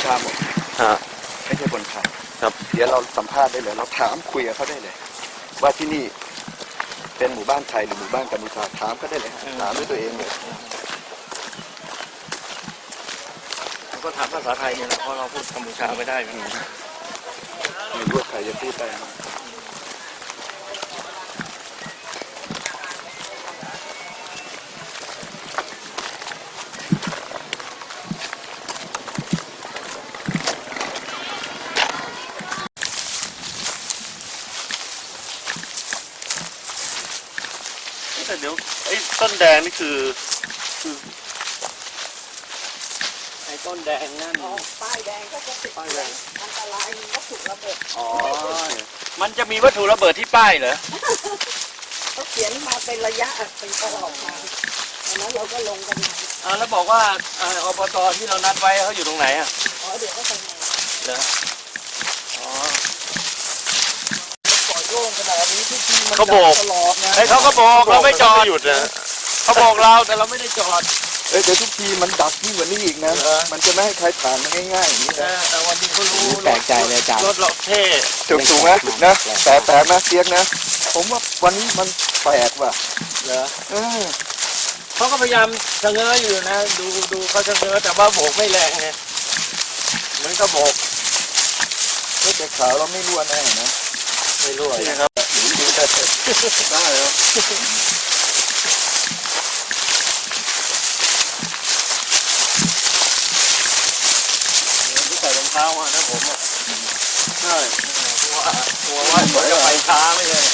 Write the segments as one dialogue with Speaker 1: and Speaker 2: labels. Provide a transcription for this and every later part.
Speaker 1: าหมดไม่ใช่คนไทย
Speaker 2: ครับ
Speaker 1: เดี๋ยวเราสัมภาษณ์ได้เลยเราถามคุยกับเขาได้เลยว่าที่นี่เป็นหมู่บ้านไทยหรือหมู่บ้านกัมพูชาถามก็ได้เลยถามด้วยตัวเองเลย
Speaker 2: ก็ถามภาษาไทยเนี่ยแหละเพราะเราพูดกัมพูชาไม่ได้เหมือนกัน
Speaker 1: มีรู้ใครจะพูดได้
Speaker 2: แต่เดี๋ยวไอ้ต้นแดงนี่คือไอ้ต้นแดงนั่น
Speaker 3: ป้ายแดงก็จะติดป้ายแดงอันตรายมีวัตถุระเบิด
Speaker 2: อ๋อมันจะมีวัตถุระเบิดที่ป้ายเหรอ
Speaker 3: เขาเขียนมาเป็นระยะเป็นตลอดมาตอนนั้นเราก็ลงกัน
Speaker 2: แล้วบอกว่าอบตที่เรานัดไว้เขาอยู่ตรงไหนอ่ะ
Speaker 3: เดี๋ยวก็ไปมา
Speaker 2: เหรอ
Speaker 3: ปล่อยโล่งขนาดนี้ทุกทีมัน
Speaker 2: เขาโบก
Speaker 3: ตลอดนะ
Speaker 2: เขาก็บอกเราไม่จอดหยุดนะเขาบอกเราแต่เราไม่ได้จอด
Speaker 1: แต่ทุกทีมันดักยิ่งกว่านี้อีกนะมันจะไม่ให้ใครผ่านง่ายๆอย่างนี้นะ
Speaker 2: แต่วันนี้เขารู้
Speaker 4: แปลกใจเลยจ้าร
Speaker 2: ถเราเท่
Speaker 1: ถูกไหมนะแต่นะเสียงนะผมว่าวันนี้มันแปลกว่ะ
Speaker 2: เหรอเขาก็พยายามชะเง้ออยู่นะดูเขาชะเง้อแต่ว่าโบกไม่แรงไงเหมือนกับโบก
Speaker 1: แต่ขาวเราไม่รั่วแน่นะ
Speaker 2: ไม่รั่วนะครับ
Speaker 1: ได้แล้ว
Speaker 2: ใส่รองเท้ามานะผมใช่ตัวว่าเหมือนกับไปช้าไม่ใช่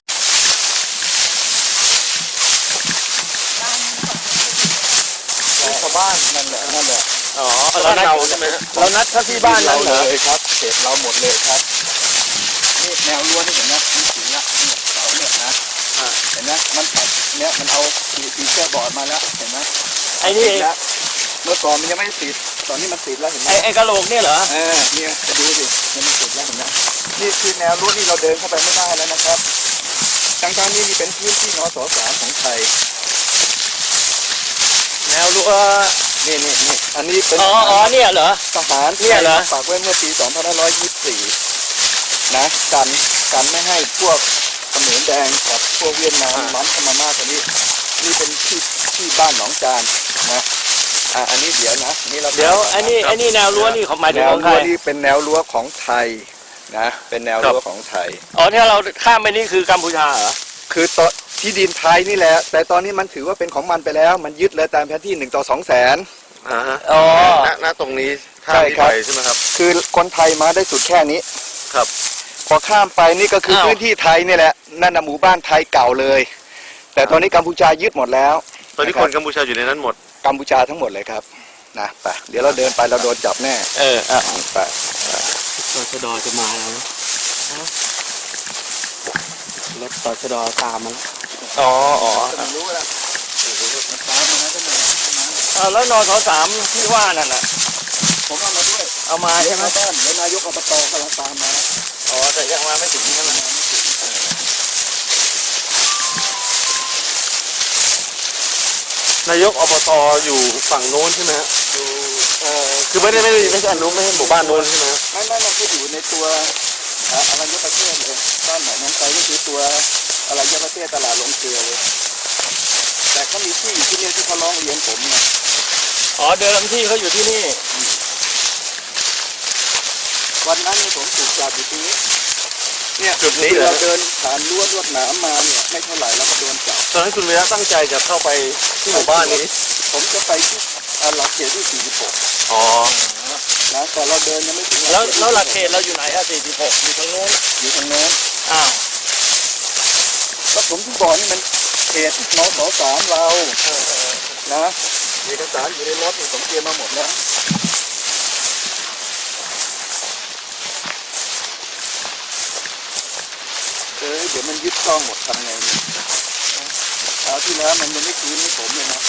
Speaker 1: ชาวบ้านนั่นแหละ
Speaker 2: เรานัดใช่ไหมเรานัดเขาที่บ้าน
Speaker 1: เราเลยครับเขตเราหมดเลยครับนี่แนวรั้วนี่เห็นไหมมีสีละเสาเนี่ยนะเห็นไหมมันตัดเนี่ยมันเอาสีแก้บอร์ดมาแล้วเห็นไหม
Speaker 2: ไอ้นี่
Speaker 1: เมื่อก่อนมันยังไม่ติดตอนนี้มันติดแล้วเห็นไหม
Speaker 2: ไอ้กระโหลกเนี่ยเหรอ
Speaker 1: เนี่ยจะดูสิมันติดแล้วเห็นไหมนี่คือแนวรั้วที่เราเดินเข้าไปไม่ได้แล้วนะครับทางนี้นี่เป็นพื้นที่นสสของไทย
Speaker 2: แนวรั้ว
Speaker 1: นี่อันนี้เป็น
Speaker 2: เนี่ยเหรอ
Speaker 1: ทหารเนี่ยเหรอฝากไว้เมื่อปี2524นะกันไม่ให้พวกเขมรแดงกับพวกเวียดนามล้ำเข้ามามากกว่านี้นี่เป็นที่บ้านหนองจานนะอันนี้เดี๋ยวนะนี่เรา
Speaker 2: เดี๋ยวอันนี้แนวรั้วนี่เขาหมายถึงของใคร
Speaker 1: แนวรั้วนี่เป็นแนวรั้วของไทยนะเป็นแนวรั้วของไทย
Speaker 2: ที่เราข้ามไปนี่คือกัมพูชาเหรอ
Speaker 1: คือที่ดินไทยนี่แหละแต่ตอนนี้มันถือว่าเป็นของมันไปแล้วมันยึดเลยตามแผนที่1 ต่อ 200,000
Speaker 2: ณตรงนี้
Speaker 1: ใช่ครับ
Speaker 2: ใช่ไหมครับ
Speaker 1: คือคนไทยมาได้สุดแค่นี้
Speaker 2: ครับ
Speaker 1: พอข้ามไปนี่ก็คือพื้นที่ไทยนี่แหละนั่นน่ะหมู่บ้านไทยเก่าเลยแต่ตอนนี้กัมพูชายึดหมดแล้ว
Speaker 2: ตอนนี้คนกัมพูชาอยู่ในนั้นหมด
Speaker 1: กัมพูชาทั้งหมดเลยครับนะไปเดี๋ยวเราเดินไปเราโดนจับแน่ไป
Speaker 4: ตชดจะมาแล้วรถตชดตามมา
Speaker 1: แล้วรู้แล้วตามมา
Speaker 2: แล้วนส.3ที่ว่านั่นน่ะ
Speaker 1: ผมเอามาด้วย
Speaker 2: เอามาใช่ไหม
Speaker 1: บ้านแล้วนายกอบตกำลังตามมา
Speaker 2: แต่ยังมาไม่ถึงใช่ไหมนายกอบตอยู่ฝั่งโน้นใช่ไหมฮะคือไม่ใช่อันนู้นไม่ใช่หมู่บ้านโน้นใช่ไหม
Speaker 1: ไม่มันก็อยู่ในตัวอรัญญประเทศเลยบ้านไหนน้องไซก็คือตัวอรัญญประเทศตลาดลงเกลือเลยแต่เขามีที่อยู่ที่นี่ที่เขาร้องเรียนผมไง
Speaker 2: เดิมที่เขาอยู่ที่นี่
Speaker 1: วันนั้นผมถูกจับอยู่ตรงนี้เนี่ยจุดนี้เราเดินผ่านรั้วลวดหนามมาเนี่ยไม่เท่าไหร่แล้วก็โดนจับ
Speaker 2: ตอนนั้นคุณวีระตั้งใจจะเข้าไปที่หมู่บ้านนี้
Speaker 1: ผมจะไปที่หลักเขตที่46นะแต่เราเดินยังไม่ถึง
Speaker 2: แล้วหลักเขตเราอยู่ไหน46อยู่ทางโน้น
Speaker 1: ก็ผมที่บอกนี่มันเขตนส.3เรานะเอกสารอยู่ในรถนี่ผมเตรียมมาหมดแล้วเดี๋ยวมันยึดกล้องหมดทำไงเนี่ยคราวที่แล้วมันยังไม่คืนให้ผมเลยนะ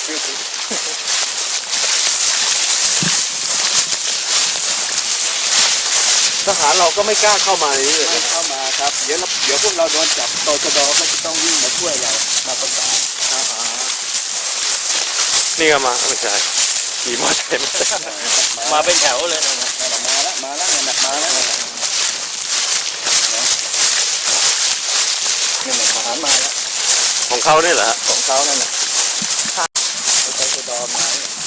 Speaker 2: ทหารเราก็ไม่กล้าเข้ามาเลย
Speaker 1: ไม่เข้ามาครับเดี๋ยวพวกเราโดนจับตชด.ก็จะต้องวิ่งมาช่วยเรามาประสาน
Speaker 2: นี่ก็มาไม่ใช่ขี่มอเตอร์ไซค์มาเป็นแถวเลยนะ
Speaker 1: มาแล้วมาแล้วเนี่ยมาแล้วเนี่ยทหารมาแล้ว
Speaker 2: ของเขาเนี่ยเหรอ
Speaker 1: ของเขานั่นแหละไปดอมมา